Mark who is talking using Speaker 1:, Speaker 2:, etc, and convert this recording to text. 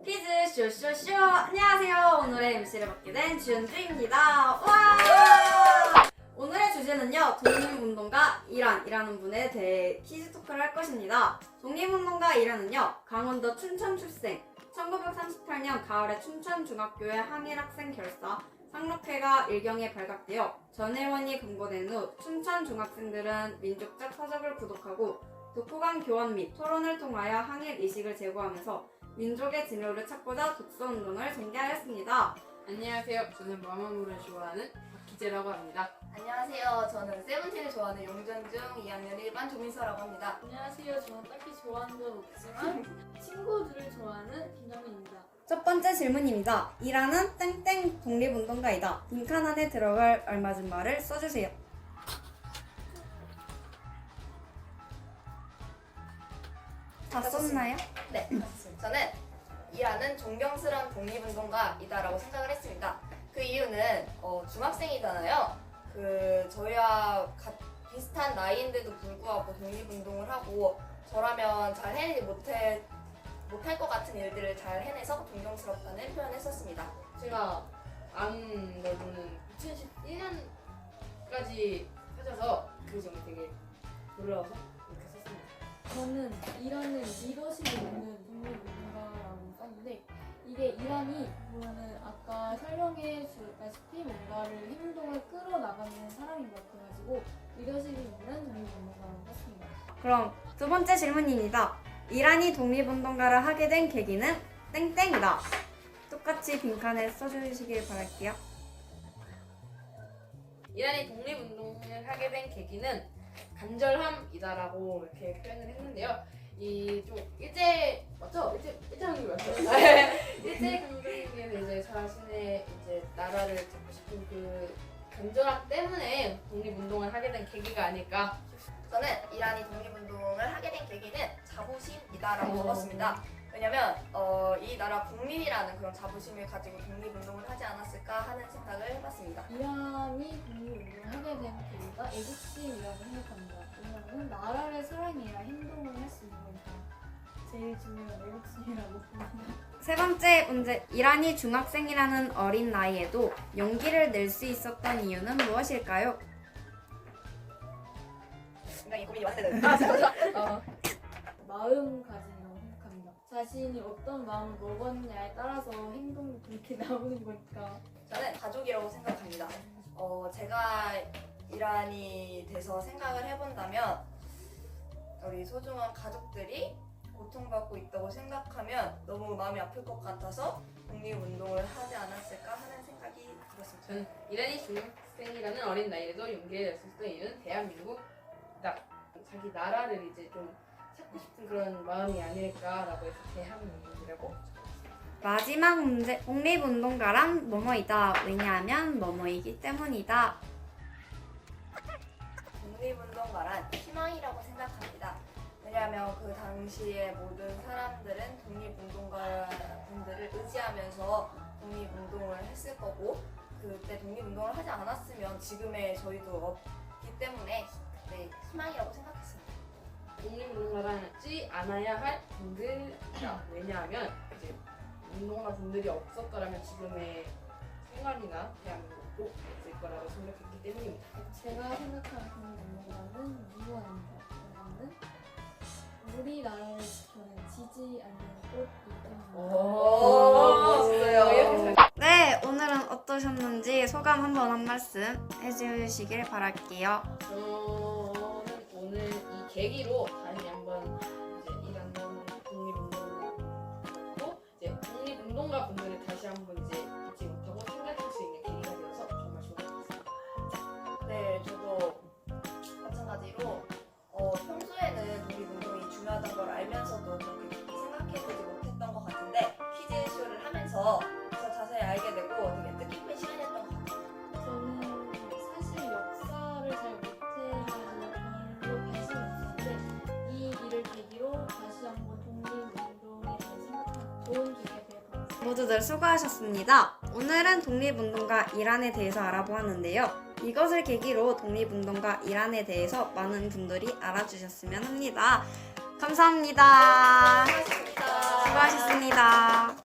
Speaker 1: 퀴즈 쇼쇼쇼! 안녕하세요. 오늘의 MC를 맡게 된 주현주입니다. 와! 오늘의 주제는요. 독립운동가 이란이라는 분에 대해 퀴즈 토크를 할 것입니다. 독립운동가 이란은요. 강원도 춘천 출생, 1938년 가을에 춘천중학교의 항일학생 결사 상록회가 일경에 발각되어 전혜원이 검거된 후 춘천 중학생들은 민족적 서적을 구독하고 독후감 교환 및 토론을 통하여 항일 의식을 제고하면서 민족의 진로를 찾고자 독서운동을 전개하였습니다.
Speaker 2: 안녕하세요. 저는 마마무를 좋아하는 박기재라고 합니다.
Speaker 3: 안녕하세요. 저는 세븐틴을 좋아하는 용전중 2학년 1반 조민서라고 합니다.
Speaker 4: 안녕하세요. 저는 딱히 좋아하는 건 없지만 친구들을 좋아하는 김정민입니다.
Speaker 1: 첫 번째 질문입니다. 이란은 땡땡 독립운동가이다. 빈칸 안에 들어갈 알맞은 말을 써주세요. 다 썼나요?
Speaker 3: 네, 맞습니다. 저는 이란은 존경스러운 독립운동가이다라고 생각을 했습니다. 그 이유는 중학생이잖아요. 저희와 비슷한 나이인데도 불구하고 독립운동을 하고 저라면 잘 해내지 못할 것 같은 일들을 잘 해내서 존경스럽다는 표현을 했었습니다.
Speaker 2: 제가 아는 걸로는 2011년까지 찾아서 그 점이 되게 놀라워서 이렇게 썼습니다.
Speaker 4: 저는 이란은 리더십이 있는 독립운동가라고 썼는데 이게 이란이 보면은 아까 설명해 주셨다시피 뭔가를 행동을 끌어나가는 사람인 것 같아가지고 리더십이 있는 독립운동가라고 썼습니다.
Speaker 1: 그럼 두 번째 질문입니다. 이란이 독립운동가를 하게 된 계기는 땡땡이다. 똑같이 빈칸에 써주시길 바랄게요.
Speaker 2: 이란이 독립운동을 하게 된 계기는 간절함이다라고 이렇게 표현을 했는데요. 이 좀 맞죠? 일제강점기 맞죠? 일제강점기에서 이제 자신의 이제 나라를 잡고 싶은 그 간절함 때문에 독립운동을 하게 된 계기가 아닐까.
Speaker 3: 저는 이란이 독립운동을 하게 된 계기는 자부심이다라고 적었습니다. 왜냐면 이 나라 국민이라는 그런 자부심을 가지고 독립운동을 하지 않았을까 하는 생각을 해봤습니다.
Speaker 4: 이란이 독립운동을 하게 된 계기가 애국심이라고 생각합니다. 왜냐하면 나라를 사랑해야 행동을 할 수 있는 거니까 제일 중요한 애국심이라고 봅니다.
Speaker 1: 세 번째 문제. 이란이 중학생이라는 어린 나이에도 용기를 낼 수 있었던 이유는 무엇일까요?
Speaker 3: 굉장히 고민이 많은데
Speaker 4: 마음가짐이라고 생각합니다. 자신이 어떤 마음을 먹었냐에 따라서 행동이 그렇게 나오는 거니까.
Speaker 3: 저는 가족이라고 생각합니다. 제가 이란이 돼서 생각을 해본다면 우리 소중한 가족들이 고통받고 있다고 생각하면 너무 마음이 아플 것 같아서 독립운동을 하지 않았을까 하는 생각이 들었습니다.
Speaker 2: 저는 이란이 중학생이라는 어린 나이에도 용기를 낼 수 있었던 이유는 대한민국이다. 자기 나라를 이제 좀 찾고 싶은 그런 마음이 아닐까라고 해서 대한민국이라고
Speaker 1: 마지막 문제. 독립운동가란 뭐뭐이다. 왜냐하면 뭐뭐이기 때문이다.
Speaker 3: 독립운동가란 희망이라고 생각합니다. 왜냐하면 그 당시에 모든 사람들은 독립운동가분들을 의지하면서 독립운동을 했을 거고 그때 독립운동을 하지 않았으면 지금의 저희도 없기 때문에 그때 희망이라고 생각했습니다.
Speaker 2: 독립운동가라지 않아야 할 분들이다. 왜냐하면 이제 운동가 분들이 없었더라면 지금의 생활이나 대한민국도 없을 거라고 생각했기 때문입니다.
Speaker 4: 제가 생각하는 독립운동가는 무언입니다. 이거는 우리나라를 지키지 않는 꽃이기 때문에.
Speaker 3: 멋있어요.
Speaker 1: 네, 오늘은 어떠셨는지 소감 한 말씀 해주시길 바랄게요.
Speaker 2: 저는 오늘 이 계기로 다시 한번 이제 이란 독립운동도 이제 독립운동가 분들을 다시 한번 이제 잊지 못하고 생각할 수 있는 계기가 되어서 정말 좋은 것 같습니다.
Speaker 3: 네, 저도 마찬가지로 평소에는 독립운동이 중요하다는 걸 알면서도 그렇게 깊이 생각해보지 못했던 것 같은데 퀴즈쇼를 하면서 더 자세히 알게 되고 되게 뜻깊은 시간이었던 것 같아요.
Speaker 4: 저는 사실 역사를 잘 못해가지고 별로 관심이 없었는데 이 일을 계기로 다시 한번 독립운동에 대해 생각하는 좋은 기회가 될 것 같습니다.
Speaker 1: 모두들 수고하셨습니다. 오늘은 독립운동가 이란에 대해서 알아보았는데요. 이것을 계기로 독립운동가 이란에 대해서 많은 분들이 알아주셨으면 합니다. 감사합니다.
Speaker 3: 수고하셨습니다.
Speaker 1: 수고하셨습니다.